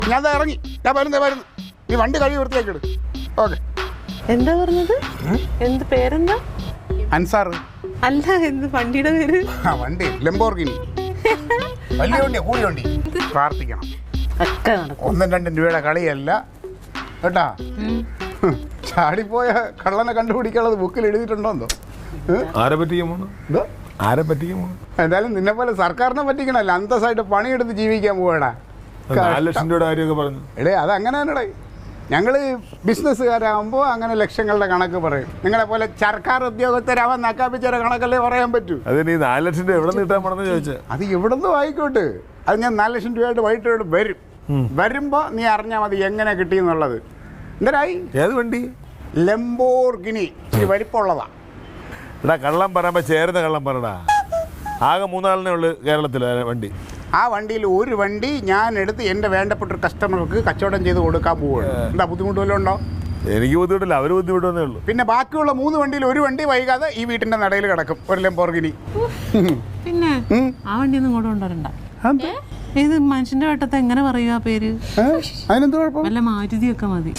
ഞാൻ ഇറങ്ങി. ഞാൻ വരുന്നു. നീ വണ്ടി കഴുകി വൃത്തിയാക്കിയിട്. ഓക്കെ. എന്താ പറഞ്ഞത്? എന്ത് പേരെന്താ? അൻസാർ. അല്ല, എന്ത് വണ്ടിയുടെ പേര്? വണ്ടി ലംബോർഗിനി. വലിയ വണ്ടിയാ, കൂടി വണ്ടി. പ്രാർത്ഥിക്കണം. ഒക്കെ നടക്കും. 1-2 രൂപയുടെ കളിയല്ല കേട്ടാ. ചാടിപ്പോയ കള്ളനെ കണ്ടുപിടിക്കാനുള്ളത് ബുക്കിൽ എഴുതിയിട്ടുണ്ടോ? ആരെ പറ്റിക്കുമോ? ആരെ പറ്റിക്കുമോ? എന്തായാലും നിന്നെ പോലെ സർക്കാരിനെ പറ്റിക്കണല്ലോ, അന്തസ്സായിട്ട് പണിയെടുത്ത് ജീവിക്കാൻ പോവാടാ. 4 ലക്ഷം രൂപയുടെ കാര്യമൊക്കെ പറഞ്ഞു. എടേ അത് അങ്ങനെ തന്നെടേ. ഞങ്ങൾ ബിസിനസ്സുകാരാകുമ്പോൾ അങ്ങനെ ലക്ഷങ്ങളുടെ കണക്ക് പറയും. നിങ്ങളെ പോലെ സർക്കാർ ഉദ്യോഗസ്ഥരാവാൻ നക്കാപ്പിച്ചൊരു കണക്കല്ലേ പറയാൻ പറ്റൂ. അതിന് ഈ 4 ലക്ഷം രൂപ എവിടെ നിന്ന് കിട്ടാൻ പോണെന്ന് ചോദിച്ചാൽ അത് എവിടെ നിന്നും ആയിക്കോട്ടെ. അത് ഞാൻ 4 ലക്ഷം രൂപയായിട്ട് വൈകിട്ട് വരും. വരുമ്പോൾ നീ അറിഞ്ഞാൽ മതി എങ്ങനെ കിട്ടിയെന്നുള്ളത്. എന്തരായി? ഏത് വണ്ടി? ലംബോർഗിനി. ഈ വലിപ്പമുള്ളതാ. എടാ കള്ളം പറയുമ്പോൾ ചേരുന്ന കള്ളം പറടാ. ആകെ 3 ആളിനെ ഉള്ളു കേരളത്തിൽ വണ്ടി. ആ വണ്ടിയിൽ ഒരു വണ്ടി ഞാൻ എടുത്ത് എൻ്റെ വേണ്ടപ്പെട്ട ഒരു കസ്റ്റമർക്ക് കച്ചവടം ചെയ്ത് കൊടുക്കാൻ പോവുകയാണ്. എന്താ ബുദ്ധിമുട്ട് വല്ലതും ഉണ്ടോ? എനിക്ക് ബുദ്ധിമുട്ടില്ല, അവർ ബുദ്ധിമുട്ടേ ഉള്ളൂ. പിന്നെ ബാക്കിയുള്ള 3 വണ്ടിയിൽ ഒരു വണ്ടി വൈകാതെ ഈ വീട്ടിൻ്റെ നടയിൽ കിടക്കും ഒരു ലംബോർഗിനി. പിന്നെ ആ വണ്ടി ഒന്നും ഇങ്ങോട്ട് കൊണ്ടുവരണ്ട. ഇത് മനുഷ്യന്റെ വട്ടത്തെ എങ്ങനെ പറയുക ആ പേര്? അതിനെന്ത് കുഴപ്പം? വല്ല മാരുതിയൊക്കെ മതി.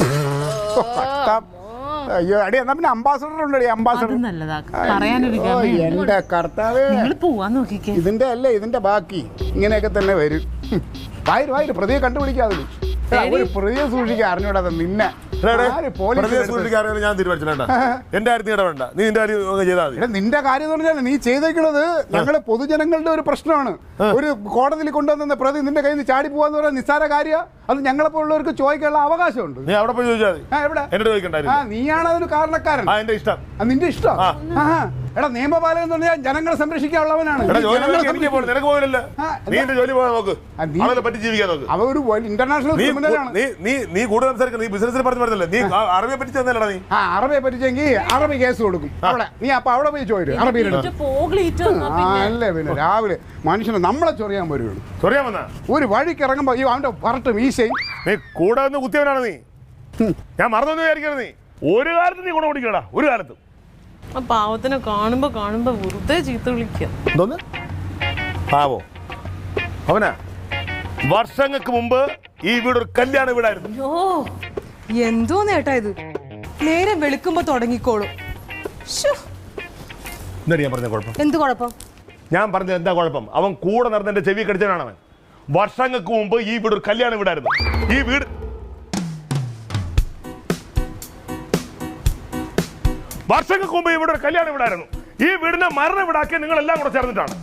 അയ്യോ അടി, എന്നാ പിന്നെ അംബാസഡർ ഉണ്ടടി. അംബാസഡർ നല്ലതാ പറയാനൊരു എന്റെ കർത്താവേ. പോവാൻ നോക്കിക്കേ. ഇതിന്റെ അല്ലേ ഇതിന്റെ ബാക്കി ഇങ്ങനെയൊക്കെ തന്നെ വരും. വായിര് പ്രതിയെ കണ്ടുപിടിക്കാതെ ഒരു പ്രതിയെ സൂക്ഷിക്കാൻ അറിഞ്ഞൂടാതെ നിന്നെ ഞാൻ തീരുമാനിച്ചില്ല. എന്റെ കാര്യം ഇടപെടണ്ട, നീ നിന്റെ കാര്യം ചെയ്താൽ മതി. നിന്റെ കാര്യം എന്ന് പറഞ്ഞാൽ നീ ചെയ്തേക്കുന്നത് ഞങ്ങള് പൊതുജനങ്ങളുടെ ഒരു പ്രശ്നമാണ്. ഒരു കോടതിയിൽ കൊണ്ടുവന്ന പ്രതി നിന്റെ കയ്യിൽ നിന്ന് ചാടി പോവാന്ന് പറഞ്ഞാൽ നിസ്സാര കാര്യമാണ്. അത് ഞങ്ങളെപ്പോലുള്ളവർക്ക് ചോദിക്കാനുള്ള അവകാശമുണ്ട്. നീ അവിടെ പോയി ചോദിച്ചാൽ മതി. എവിടെ? എന്നോട് ചോദിക്കണ്ടായിരുന്നു. നീയാണ് അതിന് കാരണക്കാരൻ. എന്റെ ഇഷ്ടം. നിന്റെ ഇഷ്ടം. എടാ നിയമപാലകൻ എന്ന് പറഞ്ഞാൽ ജനങ്ങളെ സംരക്ഷിക്കാനുള്ളവനാണ്. നിനക്ക് പോയില്ല, നീ എന്റെ ജോലി പോകാൻ നോക്ക്. അവരെ പറ്റി ജീവിക്കാൻ നോക്ക്. അവ ഒരു ഇന്റർനാഷണൽ ക്രിമിനലാണ്. നീ കൂടുതൽ സംസാരിക്കണം. നീ ബിസിനസ്സിൽ പറഞ്ഞു പറഞ്ഞല്ലേ, നീ അറബിയെ പറ്റി തന്നല്ലടാ. നീ അറബിയെ പറ്റിച്ചെങ്കിൽ അറബി കേസ് കൊടുക്കും. അവിടെ നീ അപ്പൊ അവിടെ പോയി ചോദിച്ചു അല്ലേ. പിന്നെ രാവിലെ മനുഷ്യനെ നമ്മളെ ചൊറിയാൻ വരുള്ളൂ. ചൊറിയാൻ വന്ന ഒരു വഴിക്ക് ഇറങ്ങുമ്പോ ഈ അവന്റെ വരട്ട് വീശയും. നീ കൂടെ നിന്ന് കുത്തിയവനാണ് നീ. ഞാൻ മറന്നൊന്നും വിചാരിക്കരുത്. നീ ഒരു കാലത്ത് നീ ഗുണം പിടിക്കടാ. ഒരു കാലത്തും ആ പാവത്തിനെ കാണുമ്പോ വെറുതെ ചീത്ത വിളിക്കുക. എന്തോന്ന് പാവോ? അവനാ വർഷങ്ങൾക്ക് മുമ്പ് ഈ വീടൊരു കല്യാണ വീടായിരുന്നു. എന്തോ നേട്ടാ ഇത്. നേരെ വെളുക്കുമ്പോ തുടങ്ങിക്കോളും. എന്താ ഞാൻ പറഞ്ഞ കുഴപ്പം? എന്ത് കുഴപ്പം? ഞാൻ പറഞ്ഞത് എന്താ കുഴപ്പം? അവൻ കൂടെ നടന്ന് എന്റെ ചെവി കടിച്ചവനാണ് അവൻ. വർഷങ്ങൾക്ക് മുമ്പ് ഈ വീട് ഒരു കല്യാണ വീടായിരുന്നു. ഈ വീട് വർഷങ്ങൾക്ക് മുമ്പ് ഇവിടെ ഒരു കല്യാണ വീടായിരുന്നു. ഈ വീടിനെ മരണ വീടാക്കി നിങ്ങൾ എല്ലാം കൂടെ ചേർന്നിട്ടാണ്.